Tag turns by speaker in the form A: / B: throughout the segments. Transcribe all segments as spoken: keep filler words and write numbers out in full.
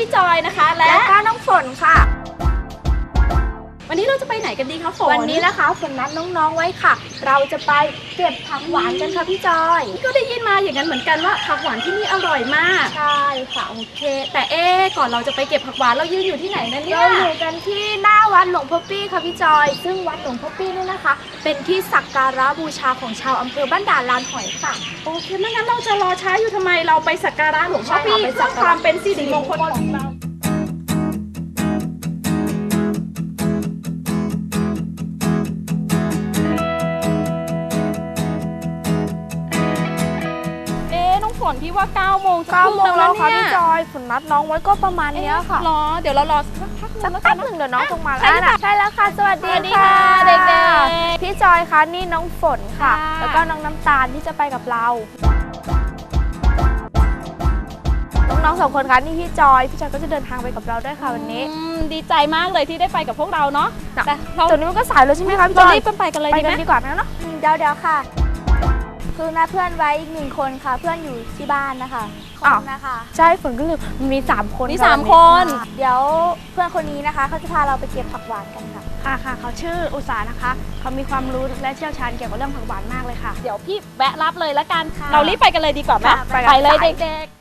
A: พี่จอยนะคะและ
B: ก็น้องฝนค่ะ
A: วันนี้เราจะไปไหนกันดีคะฝน
B: วันนี้นะคะฝนนัดน้องๆไว้ค่ะเราจะไปเก็บผักหวานกันค่ะพี่จอย
A: ก็ได้ยินมาอย่างนั้นเหมือนกันว่าผักหวานที่นี่อร่อยมาก
B: ใช่ค่ะ
A: โอเคแต่เอ๊ก่อนเราจะไปเก็บผักหวานเรายืนอยู่ที่ไหนนั่นเนี่ย
B: เราอยู่กันที่หน้าวัดหลวงพ่อปี้ค่ะพี่จอยซึ่งวัดหลวงพ่อปี้นี่นะคะเป็นที่สักการะบูชาของชาวอำเภอบ้านด่านลานหอยค่ะ
A: โอเคไม่งั้นเราจะรอช้าอยู่ทำไมเราไปสักการะหลวงพ่อปี้เพื่อความเป็นสิริมงคลของเราฝนพี่ว่าเก้าโมง
B: เก้าโมงแล้วค่ะพี่จอยฝนนัดน้องไว้ก็ประมาณนี้ค่ะ
A: รอเดี๋ยวเรารอสักพัก
B: หนึ่งเดี๋ยวน้องส่งมาแล้วใช่แล้วค่ะสวัสดีค่ะเด็กๆพี่จอยคะนี่น้องฝนค่ะแล้วก็น้องน้ำตาลที่จะไปกับเราน้องสองคนคะนี่พี่จอยพี่จอยก็จะเดินทางไปกับเราด้วยค่ะวันนี้
A: ดีใจมากเลยที่ได้ไปกับพวกเราเนาะ
B: แต่ตอนนี้มันก็สายแล้วใช่ไหมคะพี่จอย
A: รีบไปกันเลย
B: ไปกันดีกว่านะเนาะเดี๋ยวเดี๋ยวค่ะคือนัดเพื่อนไว้อีกหนึ่งคนค่ะเพื่อนอยู่ที่บ้านนะคะอ๋อนะคะใช่ฝนก็เลยมีสามคน
A: มีสามคน
B: เดี๋ยวเพื่อนคนนี้นะคะเขาจะพาเราไปเก็บผักหวานกันค่ะ
C: ค่ะค่ะเขาชื่ออุษานะคะเขามีความรู้และเชี่ยวชาญเกี่ยวกับเรื่องผักหวานมากเลยค่ะ
A: เดี๋ยวพี่แวะรับเลยละกันเรารีบไปกันเลยดีกว่าไหมไปเลยเด็กๆ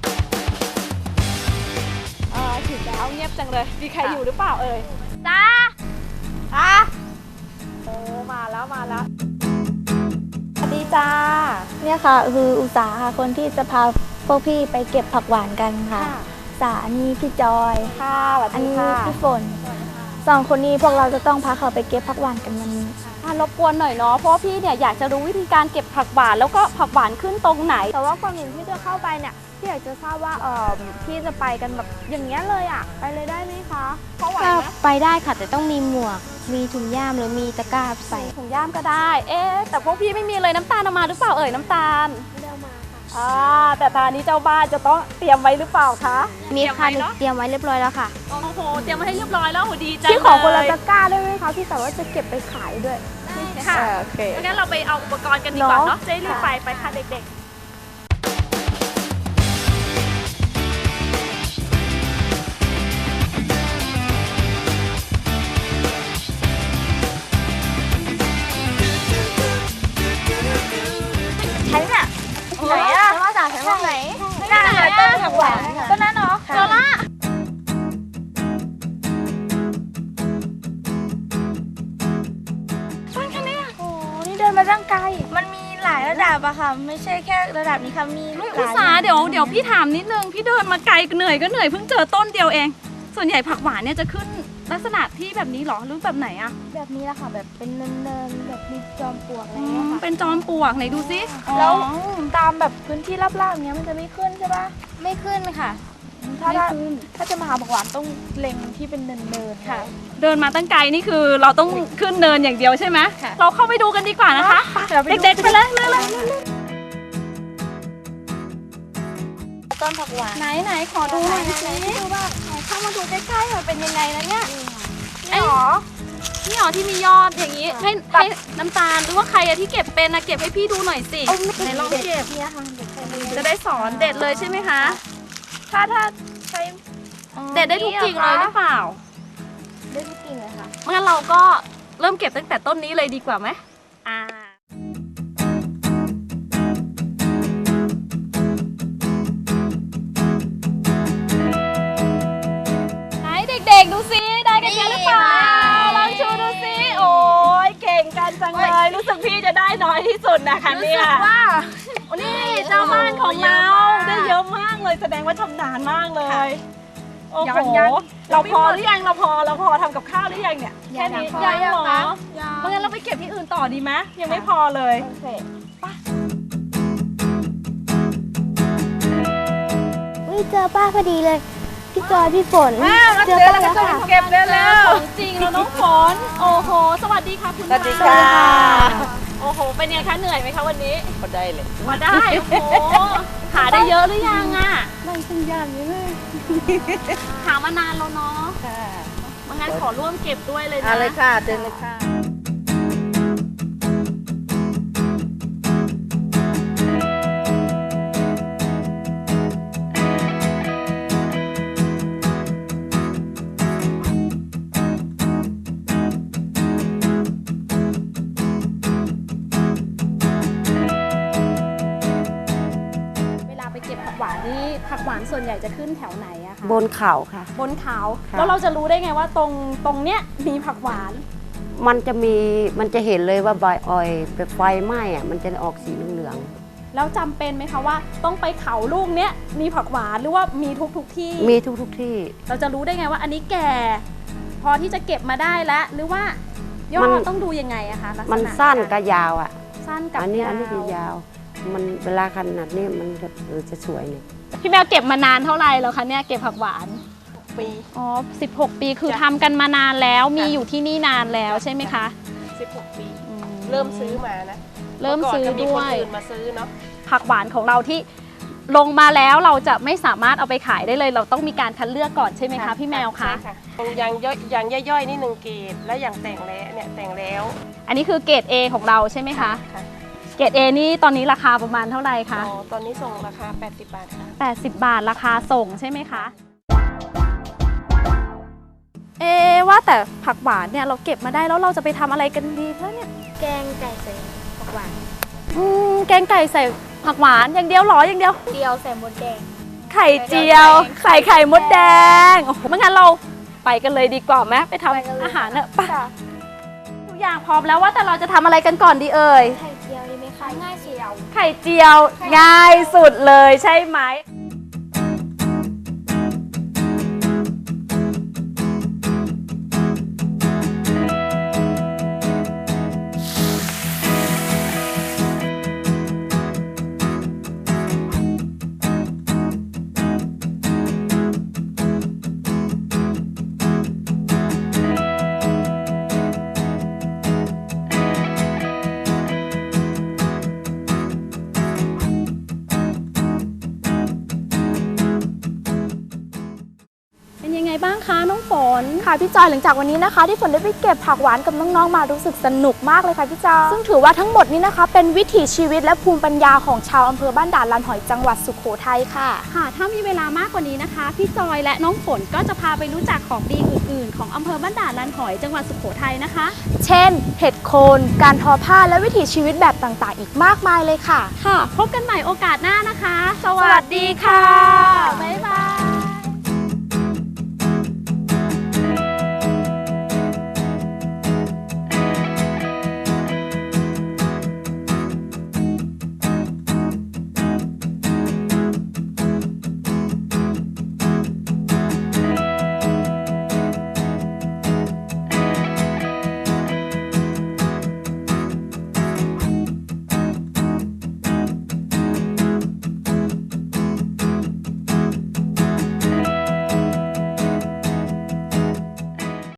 A: เออถึงแล้วเงียบจังเลยมีใครอยู่หรือเปล่าเอ่ย
B: จ้า
A: อ่ะโอ้มาแล้วมาแล้วสวัสดีจ้า
B: เนี่ยค่ะคืออุษาค่ะคนที่จะพาพวกพี่ไปเก็บผักหวานกันค่ะสาอันนี้พี่จอย
A: ค่ะ
B: อันนี้พี่ฝนสองคนนี้พวกเราจะต้องพาเขาไปเก็บผักหวานกันวันนี้
A: รบกวนหน่อยเนาะเพราะพี่เนี่ยอยากจะรู้วิธีการเก็บผักหวานแล้วก็ผักหวานขึ้นตรงไหน
B: แต่ว่าก่อนอื่นที่จะเข้าไปเนี่ยพี่อยากจะทราบว่าเออพี่จะไปกันแบบอย่างเงี้ยเลยอ่ะไปเลยได้ไหมคะ
A: เพราะว่า
B: ไปได้ค่ะแต่ต้องมีหมวกมีถุงย่ามหรือมีตะกร้าใส่
A: ถุงย่ามก็ได้เอ๊แต่พวกพี่ไม่มีเลยน้ำตาลเอามาหรือเปล่าเอ่ยน้ำตาล
B: ไม่ได้มาค่ะ
A: อ่าแต่ตอนนี้เจ้าบ้านจะต้องเตรียมไว้หรือเปล่าคะ
B: มีค่ะเตรียมไว้เรียบร้อยแล้วค่ะ
A: โอ้โหเตรียมไว้ให้เรียบร้อยแล้วโหดีจัง
B: พี่ขอคนละตะกร้าได้ไหมคะพี่แต่ว่าจะเก็บไปขายด้วย
A: ค่ะโอเคงั้นเราไปเอาอุปกรณ์กันดีกว่าเนาะจะรีบไปไปค่ะเด็กๆ
B: ใช่เนี่ยไหนอะฉันว่าจ่าฉันว่าไหน
A: ไหนอะ
B: ต้นผักหวานต้นนั้นเนาะ
A: โซล่า
B: ต้นแค่นี้โอ้นี่เดินมาตั้งไกลมันมีหลายระดับอะค่ะไม่ใช่แค่ระดับนี้ค่ะมี
A: อุตสาเดี๋ยวเดี๋ยวพี่ถามนิดนึงพี่เดินมาไกลเหนื่อยก็เหนื่อยเพิ่งเจอต้นเดียวเองส่วนใหญ่ผักหวานเนี่ยจะขึ้นลักษณะที่แบบนี้หรอหรือแบบไหนอะ
B: แบบนี้แหละค่ะแบบเป็นเนินๆแบบมีจอมปลวกอะไรเงี้ยค่ะ
A: เป็นจอมปลวกไหนดูซิ
B: แล้วตามแบบพื้นที่ราบๆเนี้ยมันจะไม่ขึ้นใช่ปะไม่ขึ้นค่ะถ้าถ้าจะมาหาผักหวานต้องเล็งที่เป็นเนินๆค่ะ
A: เดินมาตั้งไกลนี่คือเราต้องขึ้นเนินอย่างเดียวใช่ไหมเราเข้าไปดูกันดีกว่านะคะเด็กๆไปเลยเลย
B: ต้นผักหวาน
A: ไหนไหนขอดูหน่อยสิดูว่าเข้ามาดูใกล้ๆเป็นยังไงนะเนี่ย
B: ไอ้หรอ
A: นี่หรอที่มียอดอย่างนี้ให้ให้น้ำตาลหรือว่าใครอะที่เก็บเป็นนะเก็บให้พี่ดูหน่อยสิไหนลองเก็บจะได้สอนเด็ดเลยใช่ไหมคะ
B: ถ้าถ้าใช้
A: เด็ดได้ทุกกิ่งเลยหรือเปล่า
B: ได้ทุกกิ่งเลยค่ะ
A: งั้นเราก็เริ่มเก็บตั้งแต่ต้นนี้เลยดีกว่าไหมอ่าเด็กๆดูซิได้กันเยอะหรือเปล่าลองชูดูซิโอ้ยเก่งกันจังเลยรู้สึกพี่จะได้น้อยที่สุดนะคะเนี่ย
B: รู้สึกว่า
A: นี่เจ้าบ้านของเราได้เยอะมากเลยแสดงว่าชำนาญมากเลยโอ้โหเราพอหรือยังเราพอเราพอทำกับข้าวหรือยังเนี่ยแค่นี้ยังเหรอเมื่องั้นเราไปเก็บที่อื่นต่อดีไหมยังไม่พอเลย
B: โอเคอุ้ยเจอป้าพอดีเลยพี่จอยพี่ฝน
A: เจอแล้วค่ะเก็บได้แล้วจริงแล้วน้องฝนโอ้โหสวัสดีค่ะคุณ
D: สวัสดีค่ะ
A: โอ้โหเป็นยังคะเหนื่อยไหมคะวันนี้
D: มาได้เลย
A: มาได้โอ้โหหาได้เยอะหรือยังอ่ะ
B: นั่งขึ้นยานนี้เลย
A: หามานานแล้วเนาะค่ะงั้นขอร่วมเก็บด้วยเลยนะ
D: อะไรค่ะเดินเลยค่ะ
A: นี่ผักหวานส่วนใหญ่จะขึ้นแถวไหนอะคะ
D: บนเขาค่ะ
A: บนเขา
D: ค่ะ
A: แล้วเราจะรู้ได้ไงว่าตรงตรงเนี้ยมีผักหวาน
D: มันจะมีมันจะเห็นเลยว่าใบอ้อยแบบไฟไหม้อะมันจะออกสีเหลือง
A: แล้วจำเป็นไหมคะว่าต้องไปเขาลูกเนี้ยมีผักหวานหรือว่ามีทุกทุกที่
D: ๆมีทุกทุกๆที่
A: เราจะรู้ได้ไงว่าอันนี้แก่ พอที่จะเก็บมาได้แล้วหรือว่ายอ
D: มั
A: ด
D: น
A: ต้องดูยังไงอะคะลักษณะ
D: มันสั้น
A: กา
D: กับ
A: ร
D: ยาวอ่ะ
A: สั้นกับ
D: อันนี้
A: ยาว
D: อันนี้คือยาว มันเวลาขนาดนี้มันจะเออจะสวยเนี่ย
A: พี่แมวเก็บมานานเท่าไหร่แล้วคะเนี่ยเก็บผักหวาน
E: ปี
A: อ๋อสิบหกปีคือ
E: จ้ะ
A: ทำกันมานานแล้วมี
E: จ้ะ
A: อยู่ที่นี่นานแล้วใช่ไหมคะ
E: สิบหกปี
A: อื
E: เริ่มซื้อมานะ
A: เริ่มซื้อ
E: ก่นก็มี
A: ด้
E: ค
A: วน ย
E: อื่นมาซื้อเนาะ
A: ผักหวานของเราที่ลงมาแล้วเราจะไม่สามารถเอาไปขายได้เลย เราต้องมีการคัดเลือกก่อนใช่ไหมคะพี่แมวคะ
E: ใช่ค่ะอย่างย่อยอย่างย่อยๆนี่หนึ่งเกรดและอย่างแต่งแล้วเนี่ยแต่งแล้ว
A: อันนี้คือเกรด A ของเราใช่ไหมคะ
E: ค่ะ
A: เกรด A นี่ตอนนี้ราคาประมาณเท่าไหร่คะ
E: อ๋อตอนนี้ส่งราคา แปดสิบบาทค่ะ
A: แปดสิบบาทราคาส่งใช่ไหมคะ เอะว่าแต่ผักหวานเนี่ยเราเก็บมาได้แล้วเราจะไปทำอะไรกันดีคะเนี่ย
C: แกงไก่ใส่ผักหวาน
A: อืมแกงไก่ใส่ผักหวานอย่างเดียวเหรออย่างเดียว
C: เดียวใส่หมดแดง
A: ไข่เจียวใส่ไข่มดแดงโอ้โหไม่งั้นเราไปกันเลยดีกว่าไหมไปท
C: ไปกันเลย
A: ำอาหารเนอะไปทุกอย่างพร้อมแล้วว่าแต่เราจะทำอะไรกันก่อนดีเอ่ย
C: ไข่เจียวดีไหมคะง่ายเจียว
A: ไข่เจียวง่ายสุดเลยใช่ไหมเป็นยังไงบ้างคะน้องฝน
B: ค่ะพี่จอยหลังจากวันนี้นะคะ ที่ฝนได้ไปเก็บผักหวานกับน้องๆมารู้สึกสนุกมากเลยค่ะพี่จอยซึ่งถือว่าทั้งหมดนี้นะคะ เป็นวิถีชีวิตและภูมิปัญญาของชาวอำเภอบ้านด่านลานหอยจังหวัดสุโขทัยค่ะ
A: ค่ะถ้ามีเวลามากกว่านี้นะคะพี่จอยและน้องฝนก็จะพาไปรู้จักของดีอื่นๆ ของอำเภอบ้านด่านลานหอยจังหวัดสุโขทัยนะคะ
B: เช่น เห็ดโคน การทอผ้าและวิถีชีวิตแบบต่างๆ อีกมากมายเลยค่ะ
A: ค่ะ พบกันใหม่โอกาสหน้านะคะ สวัสดีค่ะ บ๊ายบาย